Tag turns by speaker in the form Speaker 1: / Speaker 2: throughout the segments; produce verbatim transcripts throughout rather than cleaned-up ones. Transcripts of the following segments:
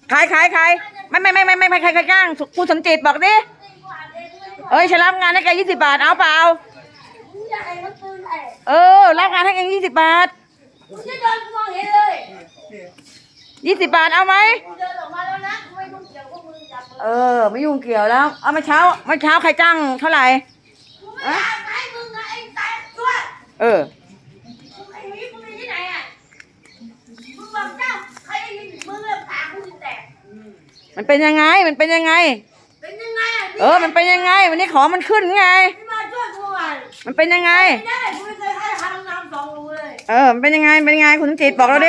Speaker 1: ใครใครใครไม่ไม่ไม่ไม่ไม่ไม่ใครใครจ้างคุณสมจิตบอกดิเอ้ยฉันรับงานให้แกยี่สิบบาทเอาเปล่าเออรับงานให้แกยี่สิบบาทยี่สิบบาทเอาไหมเออไม่ยุ่งเกี่ยวแล้วเอาเมื่อเช้าเมื่อเช้าใครจ้างเท่าไหร่เออมันเป็นยังไงมันเป็นยังไงเออมันเป็นยังไงวันนี้ของมันขึ้นไงมันเป็นยังไงเออมันเป็นยังไงเป็นยังไงคุณสมจิตบอกเราดิ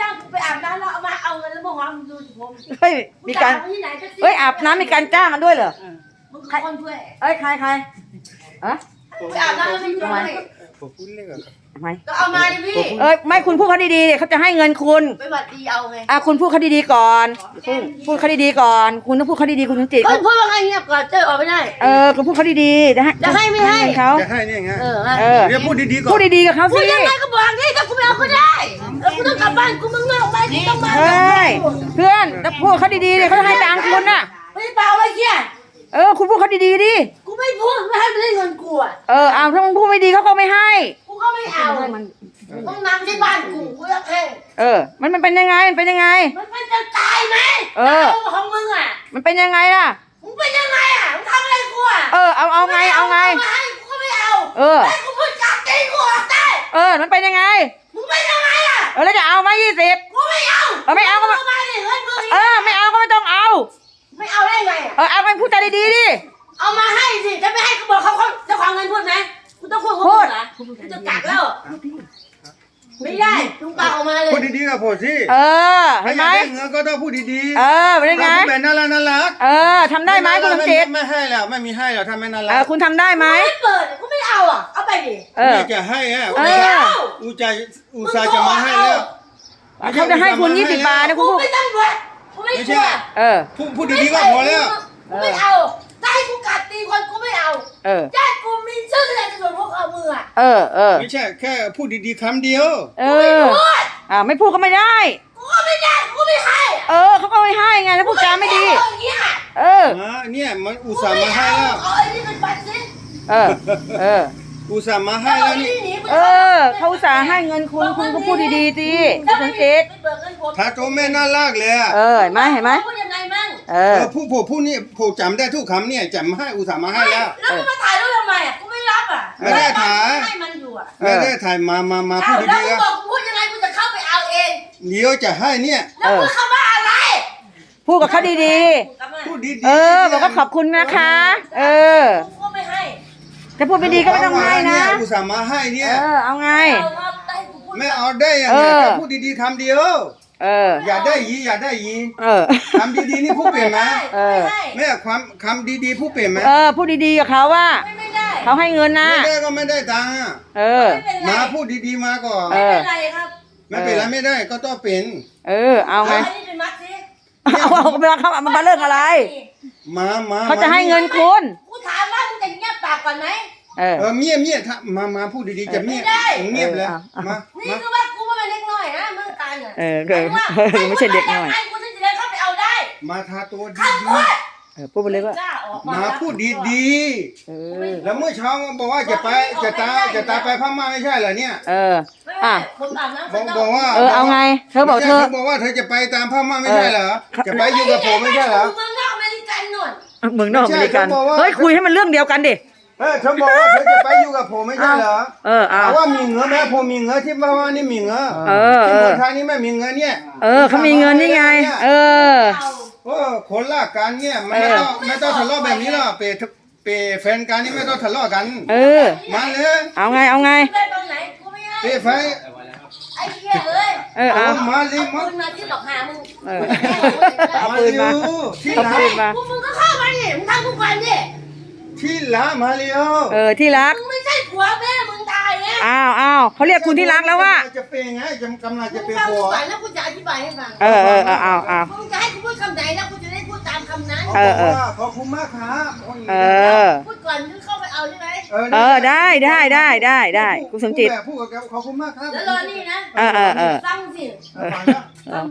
Speaker 1: เฮ้ยมีการเฮ้ยอาบน้ำมีการจ้างกันด้วยเหรอใครเอ้ยใครใครอะอาบน้ำไม่ช่วยทำไมก็เอามาดิพี่เอ้ยไม่คุณพูดเขาดีๆเขาจะให้เงินคุณไปบัดดีเอาไงอ่ะคุณพูดเขาดีๆก่อนพูดเขาดีๆก่อนคุณต้องพูดเขาดีๆคุณสมจิต
Speaker 2: คุณพูดว่าไงเงียบก่อนเจอออกไม่ได้
Speaker 1: เออคุณพูดเขาดีๆจะให้
Speaker 2: จะให้ไม่ให้
Speaker 1: เขา
Speaker 3: จะให้เนี่ยไง
Speaker 1: เออเออ
Speaker 3: เดี๋ยวพูดดีๆก่อน
Speaker 1: พูดดีๆกับเขาสิ
Speaker 2: พูดยังไงก็บอกดิถ้ากูไม่เอาก็ได้แล้วกูต้องกลับบ้านกูมึงไม่ออกไปกูต้องมา
Speaker 1: เฮ้ยเพื่อนแต่พูดเขาดีๆดิเขาจะให้ตังค์คุณน่ะ
Speaker 2: ไม่เปล่าไอ้เหี้ย
Speaker 1: เออคุณพูดเขาดีๆดิ
Speaker 2: กูไม่พูดไม่ให้มันได้เงินกูอ่ะ
Speaker 1: เออเอาถ้ามึงพูดไม่ดีเขาก็ไม่ให้
Speaker 2: กูก็ไม่เอาห้องน้ำที่บ้านกูกูจะให้
Speaker 1: เออมันมันเป็นยังไงมันเป็นยังไง
Speaker 2: มันเป็นจะตายไหมเออของมึงอ่ะ
Speaker 1: มันเป็นยังไงล่ะ
Speaker 2: มึงเป็นยังไงอ่ะมึงทำอะไรกูอ่ะ
Speaker 1: เออเอาเอาไงเอาไง
Speaker 2: มาให้กูก็ไม่เอา
Speaker 1: เออ
Speaker 2: ให้กูพูดจากใจกูออกได้
Speaker 1: เออมันเป็นยังไง
Speaker 2: มึงเป็นยังไงอ่ะ
Speaker 1: เออแล้วจะเอาไหมยี่สิบ
Speaker 2: กูไม่เอา
Speaker 1: เออไม่เอาก็ไม่เออไม่เอาก็ไม่ต้องเอา
Speaker 2: ไม่เอาได้ไง
Speaker 1: เออเอาไปพูดใจดีๆดิ
Speaker 2: เอามาให้สิจะไม่ให้กูบอกเขาเขาเจ้าของเงินพูดไหมกูต้องพูดพูดเหรอกูจะกักแล้วไม่ได้ลุงปากออกมาเลย
Speaker 3: พูดดีๆกับผมสิ
Speaker 1: เออเห็นไหม
Speaker 3: เงินก็ต้องพูดดี
Speaker 1: ๆเออเป็นไง
Speaker 3: พูดแบบน่ารักน่ารัก
Speaker 1: เออทำได้ไหมคุณสมจิต
Speaker 3: ไม่ให้แล้วไม่มีให้แล้วทำไม่น่ารัก
Speaker 1: เออคุณทำได้ไหม
Speaker 2: ไม่เปิดกูไม่เอาอ่ะเอาไปดิ
Speaker 1: เออ
Speaker 3: จะให้อ่ะ
Speaker 1: เออ
Speaker 3: อุจายอุตส่าห์จะมาให้แล้ว
Speaker 1: เขาจะให้คุณยี่สิบบาทนะคุณพูด
Speaker 2: ไม่ต้องด้วยกูไม่กลัว
Speaker 1: เออ
Speaker 3: พูดพูดดีๆก็พอแล้ว
Speaker 2: กูไม่เอาถ้าให้กูกัดตีคนกูไม่เอา
Speaker 1: เออ
Speaker 2: ญาติกูมีชื่ออะไรในส่วนพวกเอามืออ่ะ
Speaker 1: เออเออ
Speaker 3: ไม่ใช่แค่พูดดีๆคำเดียว
Speaker 1: เอออ่าไม่พูดก็ไม่ได้
Speaker 2: กูก็ไม่ได้กูไม่ให้
Speaker 1: เออเขาก็ไม่ให้ไงถ้าพูดจาไม่ดีเออ
Speaker 3: เนี่ยมันอุตส่าห์มาให้แล้ว
Speaker 2: เอาไอ้นี่เป็นบัตรสิ
Speaker 1: เออเออ
Speaker 3: อุตส่าห์มาให้แล้วนี่
Speaker 1: เออเขาอุตส่าห์ให้เงินคุณคุณก็พูดดีๆสิคุณสังเกต
Speaker 3: ถ้าโจแม่น่ารักเลย
Speaker 1: เออเห็นไหมเห็นไหม
Speaker 2: พูดยังไงมั่ง
Speaker 1: เออ
Speaker 3: ผู้ผู้ผู้นี่ผู้จำได้ทุกคำเนี่ยจำให้อุตส่าห์มาให้แล้ว
Speaker 2: แล้วมึงมาถ่ายรูปทำไมอ่ะกูไม่รับอ่ะ
Speaker 3: ไม่ได้ถ่าย
Speaker 2: ให้มันอยู่อ่ะ
Speaker 3: ไม่ได้ถ่ายมามามาพูดดีๆ
Speaker 2: แล้วกูบอกกูพูดยังไงกูจะเข้าไปเอาเอง
Speaker 3: เดี๋ยวจะให้เนี่ย
Speaker 2: แล้วมึงเข้ามาอะไร
Speaker 1: พูดกับเขาดีๆ
Speaker 3: พูดดีๆ
Speaker 1: เออบอกว่าขอบคุณนะคะเออ
Speaker 2: กูไม่ให้
Speaker 1: จะพูดไม่ดีก็ไม่ต้องให้นะ
Speaker 3: อุตส่าห์มาให้เนี่ย
Speaker 1: เออเอาไง
Speaker 3: ไม่เอาได้ยังไงแค่พูดดีๆคำเดียว
Speaker 1: เออ
Speaker 3: อย่าได้ยีอย่าได้ยี
Speaker 1: เออ
Speaker 3: คำดีๆนี่พูดเปลี่ยนไหม
Speaker 1: เออ
Speaker 3: แม่ความคำดีๆพูดเปลี่ยนไหม
Speaker 1: เออพูดดีๆกับเขาว่าเขาให้เงินนะ
Speaker 3: ไม่ได้ก็ไม่ได้ตังค์
Speaker 1: เออ
Speaker 3: มาพูดดีๆมาก่อน
Speaker 2: ไม่เป็นไรครับ
Speaker 3: ไม่เป็นไรไม่ได้ก็ต้องเป็น
Speaker 1: เออเอาไง
Speaker 2: เอา
Speaker 1: เอาไปมาครับมันมาเรื่องอะไร
Speaker 3: มามา
Speaker 1: เขาจะให้เงินคุณ
Speaker 2: กูถามว่ามึงจะเงียบปากก่อนไหม
Speaker 1: เออ
Speaker 3: เออเมียเมียถ้ามามาพูดดีๆจะเมียเงียบเลยมา
Speaker 2: นี่คือว่ากูเป็นเล็กน้อยนะมึงตายเนี่ย
Speaker 1: เออไม่ใช่เด็กน้อย
Speaker 2: กูจะเดินเข้าไปเอาได้
Speaker 3: มาทาตัวดี
Speaker 1: เออพูดไปเลยว่า
Speaker 3: มาพูดดีๆแล้วเมื่อเช้าบอกว่าจะไปจะตาจะตาไปพม่าไม่ใช่เหรอเนี่ย
Speaker 1: เอออ่ะ
Speaker 3: บอกบอกว่า
Speaker 1: เออเอาไงเธอบอกเธอ
Speaker 3: บอกว่าเธอจะไปตามพม่าไม่ใช่เหรอจะไปอยู่กับผมไม่ใช่เหรอ
Speaker 2: เมืองนอกอเมริกันหน่อย
Speaker 1: เมืองนอกอเมริกันเฮ้ยคุยให้มันเรื่องเดียวกันดิ
Speaker 3: เออเธอบอกว่าเธอจะไปอยู่กับผมไม่ใช่เหรอ
Speaker 1: เออเอา
Speaker 3: ว่ามีเงินไหมผมมีเงินที่พม่านี่มีเงิน
Speaker 1: เออ
Speaker 3: ที่เมืองไทยนี่ไม่มีเงินเนี่ย
Speaker 1: เออเขามีเงินนี่ไงเออ
Speaker 3: โอ้คนละกันเนี่ยไม่ต้องไม่ต้องทะเลาะแบบนี้หรอกเปย์เปย์แฟนกันนี่ไม่ต้องทะเลาะกัน
Speaker 1: เออ
Speaker 3: มาเลย
Speaker 1: เอาไงเอาไง
Speaker 3: เปย์ไฟ
Speaker 2: ไอ้เหี้ยเอ้ย
Speaker 1: เออเอา
Speaker 3: มาเลย
Speaker 2: มึงมาที่หลอกหามึง
Speaker 1: เออเอาปืนมา
Speaker 3: ที่
Speaker 1: ไหนมา
Speaker 2: มึงก็เข้ามาดิมึงทำกูก่อนดิ
Speaker 3: ที่รักมาเร็ว
Speaker 1: เออที่รัก
Speaker 2: มึงไม่ใช่ผัวแม่มึงตายไง
Speaker 1: อ้าวอ้าวเขาเรียกคุณที่รักแล้วว่า
Speaker 3: จะเป็นไงจำกำลังจะเป็น
Speaker 2: ผัวแล้วกูจะอธิบายให้ฟัง
Speaker 1: เออเออเออเอาเอา
Speaker 2: มึงจะให้กูพูดคำไหนแล้วกูจะได้พูดตามคำนั้น
Speaker 3: เออเออขอบคุณมากครับ
Speaker 1: เออ
Speaker 2: พูดก่อนมึงเข้าไปเอาใช่ไหม
Speaker 1: เออได้ได้ได้ได้ได้คุณสมจิต
Speaker 3: พูดกับขอบคุณมากครับ
Speaker 2: แล้วรอนี่นะ
Speaker 1: เออเออเออ
Speaker 2: ฟังสิฟังพูด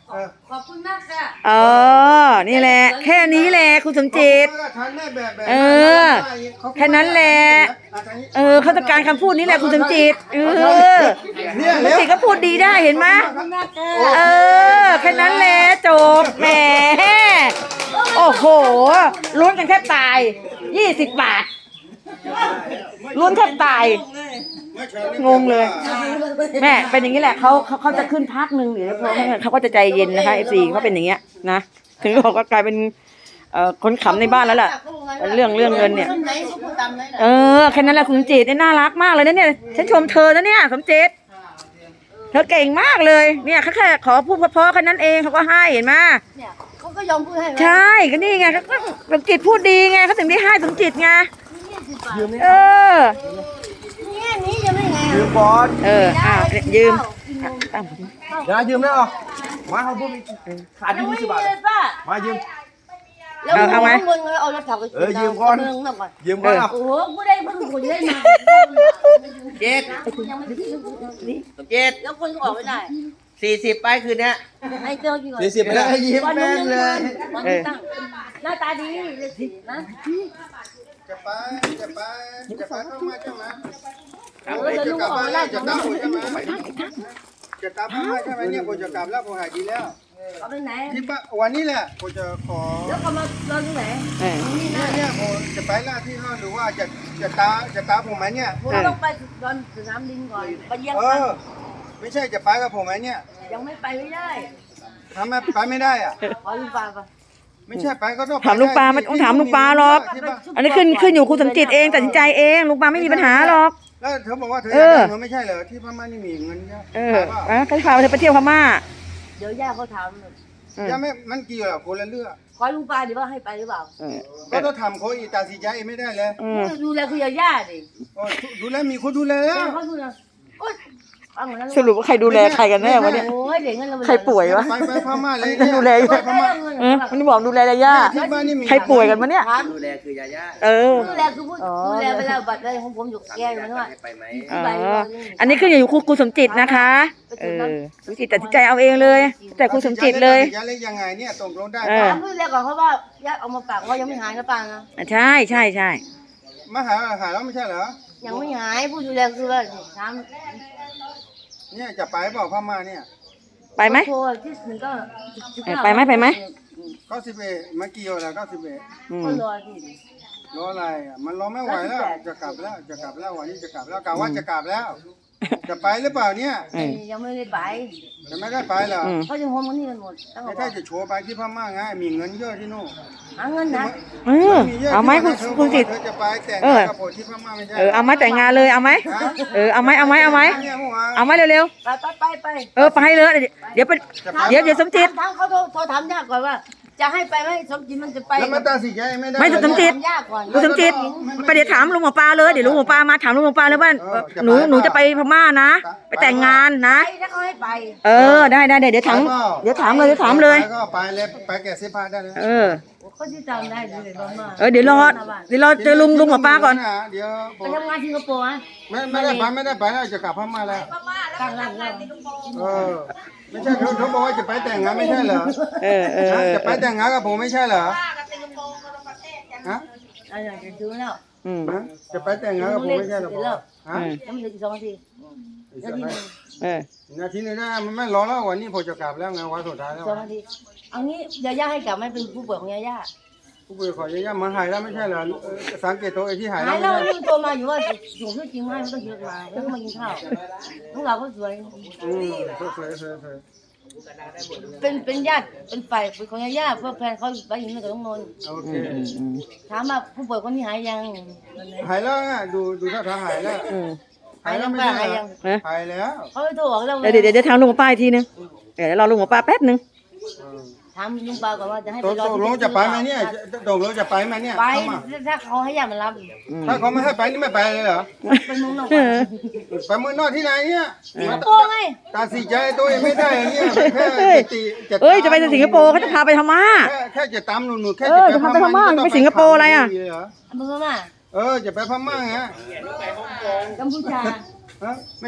Speaker 3: เออ
Speaker 2: ขอบคุณมากค่ะ
Speaker 1: เออนี่แหละ แค่นี้แหละคุณสมจิต
Speaker 3: ทานแม่แบบแบบ
Speaker 1: เออแค่นั้นแหละ เออเขาต้องการคำพูดนี้แหละคุณสมจิตเออ
Speaker 3: เนี่ย
Speaker 1: สม
Speaker 3: เร็ว
Speaker 1: จิตก็พูดดีได้เห็นไหม
Speaker 2: ขอบคุณมากค่ะ
Speaker 1: เออแค่นั้นแหละจบแหมโอ้โหลุ้นกันแทบตายยี่สิบบาทลุ้นแทบตาย งงเลย แม่เป็นอย่างนี้แหละเขาเขาเขาจะขึ้นพักหนึ่งหรือพอเขาก็จะใจเย็นนะคะเอฟซีเขาเป็นอย่างเงี้ยนะถึงบอกว่ากลายเป็นเอ่อคนขำในบ้านแล้วล่ะเรื่องเรื่องเงินเนี่ย
Speaker 2: ไหนก็พูดตามนั้นแหละ
Speaker 1: เออแค่นั้นแหละคุณสมจิตเนี่ยน่ารักมากเลยนะเนี่ยฉันชมเธอนะเนี่ยสมจิตเธอเก่งมากเลยเนี่ยเขาแค่ขอพูดเพราะๆแค่นั้นเองเขาก็ให้เห็นไหม
Speaker 2: เนี่ยเขาก็ยอมพูดให้
Speaker 1: ใช่ก็นี่ไงเขาก็สมจิตพูดดีไงเขาถึงได้ให้สมจิตไง
Speaker 2: ยี่สิบบาท
Speaker 1: เออ
Speaker 2: เนี่ยนี้จะไม่ไง
Speaker 3: ยืมก่อน
Speaker 1: เอออ่ะยืมอ่ะตั้ง
Speaker 3: อย่ายืมได้หรอมาเขาพูดขาด
Speaker 2: ยัง
Speaker 3: ยี่
Speaker 2: ไม่
Speaker 3: สิบ
Speaker 2: มี
Speaker 3: บาท
Speaker 2: เลยป้า
Speaker 3: มายืม
Speaker 2: แล้วมึงเอาเงินเอารถถังไป
Speaker 3: เออยืมก่อน
Speaker 2: เมืองก่อน
Speaker 3: ยืมก่อนเอา
Speaker 2: โอ้โหกูได้เพิ่งกูได้มา
Speaker 4: เจ็ด
Speaker 2: ยังไม่ได้
Speaker 4: สมเจ็ด
Speaker 2: แล้วคนก็ออกไม่ได้
Speaker 4: สี่สิบไปคืนเนี้ย
Speaker 2: ให้เจ้ากินก่อน
Speaker 3: สี่สิบไปแล้วยิ้ม
Speaker 2: วัน
Speaker 3: แม่
Speaker 2: นี้
Speaker 3: นเลย
Speaker 2: วันนี้ตั้งหน้าตาดีเลยสินะ
Speaker 3: จะไปจะไปจะไปเข้ามาใช่ไหม
Speaker 2: เออจะลุกออกไม่ได้
Speaker 3: จะตามผมใช่ไหมจะตามผมใช่ไหมเนี่ยผมจะกลับแล้วผมหายดีแล้ว
Speaker 2: เอาไปไหน
Speaker 3: ที่บ้านวันนี้แหละผมจะขอ
Speaker 2: แล้วก็มานอนที่ไหน
Speaker 1: เออ
Speaker 2: นี่
Speaker 3: เนี่ย
Speaker 2: นะ
Speaker 3: เนี่ยผมจะไปล่าที่ห้องหรือว่าจะจะตาจะตาผมไหมเนี่ย
Speaker 2: ผมต้องไปดอนสนามบินก่อนไปเยี่ยม
Speaker 3: เอ
Speaker 2: กัน
Speaker 3: อไม่ใช่จะไปกับผมไหมเนี่ย
Speaker 2: ยังไม่ไปไม่ได้
Speaker 3: ทำไมไปไม่ได้อ่ะ
Speaker 2: ขอลุงปาปะ
Speaker 3: ไม่ใช่ไปก็ต้อง
Speaker 1: ถามลุงปาไม่ต้องถามลุงปาหรอก อันนี้ขึ้นขึ้นอยู่คุณสมจิตเองตัดสินใจเองลุงปาไม่มีปัญหาหรอก
Speaker 3: แล้วเธอบอกว่าเธอ
Speaker 1: เอ
Speaker 3: อยาก
Speaker 1: อ
Speaker 3: ได้เงินไม่ใช่เหรอที่พม่านี่มีเงินเยอะ
Speaker 1: เอออ่ะเขาพาเธอไปเที่ยวพม่า
Speaker 2: เดี๋ยวย่าเขาถาม
Speaker 1: อืม
Speaker 3: ยังไม่มันเกี่ยวกับคนละเรื่อง
Speaker 2: ขอลุงปาดีว่าให้ไปหรือเปล่า
Speaker 1: เออ
Speaker 3: ก็ต้องทำเขาอีกตัดสินใจเองไม่ได้เลย
Speaker 1: อืม
Speaker 2: ดูแลคือย่าดิ
Speaker 3: โอ้ยดูแลมีคนดูแลแล้ว
Speaker 2: เขาดูแลโอ๊ยฟังหมดแล้ว
Speaker 1: สรุปว่าใครดูแลใครกันแน่วะเนี่ย
Speaker 2: โอ้ยเด็กเงินเรา
Speaker 1: ใครป่วยวะ
Speaker 3: ไปไปพม่าเลย
Speaker 1: ดูแลอยู่
Speaker 3: ไปพม่า
Speaker 1: เออมันบอกดูแลยาย่า
Speaker 3: ที่บ้านนี่มี
Speaker 1: ใครป่วยกันวะเนี่ย
Speaker 2: ถาม
Speaker 4: ดูแลคือยาย่า
Speaker 1: เออ
Speaker 2: ดูแลคือผู้ดูแลไปแล้วบัตรอะไรของผมอยู่แก้อยู่นั่นว่า
Speaker 4: ให้ไปไหม
Speaker 1: อ๋ออันนี้ขึ้นอยู่กับคุณสมจิตนะคะ เออคุณสมจิตตัดสินใจเอาเองเลย แต่คุณสมจิตเลย
Speaker 3: จะเล่นยังไงเนี่ยตกลงได้
Speaker 1: เอ
Speaker 3: ปะ
Speaker 1: อ
Speaker 2: ถามผู้ดูแลก่อนเพราะว่าญาติเอามาฝากว่ายังไม่หายนะป้านะ
Speaker 1: ใช่ใช่ใช่
Speaker 3: มาหาหาแล้วไม่ใช่เหรอ
Speaker 2: ยังไม่หายผู้ดูแลคือว่าถาม
Speaker 3: เนี่ยจะไปเปล่าพม่าเนี่ย
Speaker 1: ไปไหม
Speaker 2: โทรที่หนึ่งก็
Speaker 1: เออไปไหมไปไหม
Speaker 3: เก้าสิบเอ็ดเมื่อกี้อะไรเก้าสิบเอ็ด
Speaker 1: อืม
Speaker 2: ก็รอที่
Speaker 3: รออะไรอ่ะมันรอไม่ไหวแล้วจะกลับแล้วจะกลับแล้ววันนี้จะกลับแล้วกะว่าจะกลับแล้ว จะไปหรือเปล่าเนี่ย
Speaker 1: อืม
Speaker 2: ยังไม่ได้ไป
Speaker 3: จะไม่ได้ไปเหรอ
Speaker 1: อืม
Speaker 2: เขาจะโฮมกันนี่กันหมดตั้ง
Speaker 3: ไม่
Speaker 2: แต่
Speaker 3: ใช่จะโชว์ไปที่พม่าไงมีเงินเยอะที่นู่น
Speaker 2: หาเงินนะ
Speaker 1: เออเอาไหมคุณคุณสิทธิ์
Speaker 3: เธอจะไปแต่ง
Speaker 1: เออ
Speaker 3: งานกับผมที่พม่าไม่ใช่
Speaker 1: เออเอาไหมแต่งงานเลยเอาไหมเออเอาไหมเอาไหมเอาไหม
Speaker 3: เนี่ยเมื่อวาน
Speaker 1: เอาไหมเร็ว
Speaker 2: ไปไปไปไป
Speaker 1: ๆเออไปเลยเดี๋ยวไปเดี๋ยวเดี๋ยวสมจิต
Speaker 2: ถามเขาโทรโทรถามยากก่อนว่า จะให้ไปไหมสมจิตมันจะไป
Speaker 3: แล้วมันตัดสินใจไม่ได้
Speaker 1: ไม่สมจิต
Speaker 2: ถายากก่อน
Speaker 1: คุณสมจิตไปเดี๋ยวถามลุงหมอปลาเลยเดี๋ยวลุงหมอปลามาถามลุงหมอปลาเลยว่าหนูหนูจะไปพม่านะ ไปแต่งงานนะ
Speaker 2: ไปถ้าเขาให้ไป
Speaker 1: เออได้ได้เดี๋ยวถามเดี๋ยวถามเลยเดี๋ยวถามเลย
Speaker 3: ไปก็ไปเลยไปแก่เสื้อผ้าได้เลย
Speaker 1: เออ
Speaker 2: เขาที่จำได้ดีเลยบ้างมาก
Speaker 1: เออเดี๋ยวรอเดี๋ยวรอเจอลุงลุงหมอปลาก่อน
Speaker 3: เดี๋ยวผ
Speaker 2: ไป
Speaker 3: ม
Speaker 2: ทำงานสิงคโปร์อ่ะ
Speaker 3: ไม่ไม่ได้ไปไม่ได้ไปแล้วจะกลับพม่าแล้ว
Speaker 2: ตั้งร้านแล้ว
Speaker 3: เออไม่ใช่เขาเขาบอกว่าจะไปแต่งงานไม่ใช่เหรอ
Speaker 1: เออเออ
Speaker 3: ฮะ
Speaker 1: เออ
Speaker 3: จะไปแต่งงานกับผมไม่ใช่เหรอฮะ
Speaker 2: อันนี้จะดูแล้ว
Speaker 1: อืม
Speaker 3: ฮะจะไปแต่งงานกับผมไม่ใช่เหรอฮะ
Speaker 2: ยังไม่ถึงสองนาทีนาทีหนึ่ง
Speaker 1: เออ
Speaker 3: นาทีนึงนะมันไม่รอแล้ววันนี้ผมจะกลับแล้วไงวันสุดท้ายแล้ว
Speaker 2: สองนาทีเอางี้ยาย่าให้กลับไม่เป็นผู้ป่วยของยาย่า
Speaker 3: ผู้ป่วยขอย่ามาหายแล้วไม่ใช่เหรอเออสังเกตตัวไอ้ที่หาย
Speaker 2: หา
Speaker 3: แล้
Speaker 2: ยว แล้ว
Speaker 3: ไม่ใช่
Speaker 2: นี่โทรมาอยู่ว่าอยู่ที่จริงไหมไม่ต้องคิดมาแล้วก็มากินข้าวลูกเราก็สวย
Speaker 3: อืมสวยสวยสวยสวย
Speaker 2: เป็นเป็นญาติเป็นฝ่ายเป็นของยาย่าเพื่อแฟนเขาไปอยู่ในกับน้องนนท์
Speaker 3: โอเค
Speaker 1: อืมอืม
Speaker 2: ถามว่าผู้ป่วยคนนี้หายยัง
Speaker 3: หายแล้วนะดูดูท่าทางหายแล้ว
Speaker 1: อืม
Speaker 3: หายแล้วไม่ใช่เหรอหายแล้ว
Speaker 2: เขาไปโทรบอกเรา
Speaker 1: เดี๋ยวเดี๋ยวเดี๋ยวถามลุงหมอปลาอีกทีนึงเดี๋ยวรอลุงหมอปลาแป๊บนึง
Speaker 3: เออ
Speaker 2: ถามลุงปาก่อนว่าจะให้
Speaker 3: ต
Speaker 2: ไป
Speaker 3: ก
Speaker 2: รอ
Speaker 3: ตกลงจะไปไหมเนี่ยจะตกลงจะไปไหมเนี่ย
Speaker 2: ไป
Speaker 3: เข้ามา
Speaker 2: ถ้าเขาให้ญาติมารับ
Speaker 1: อืม
Speaker 3: ถ้าเขาไม่ให้ไปนี่ไม่ไปเลยเหรอ
Speaker 2: เป็นมึงนอก
Speaker 1: เออ
Speaker 3: ไปเมืองนอกที่ไหนเนี่ย
Speaker 2: สิงคโปร์ไง
Speaker 3: ตัดสินใจตัวเองไม่ได้อย่างเนี่ยแค่จะตีจะ
Speaker 1: เอ้ยจะไปสิงคโปร์เขาจะพาไปทำมา
Speaker 3: แค่แค่จะตามหนูๆแค่
Speaker 1: เออจะพาไปพม่าไปสิงคโปร์อะไรอ่ะ
Speaker 2: มึงก็มา
Speaker 3: เออจะไปพม่าไง
Speaker 2: กัมพูชา
Speaker 3: ฮะ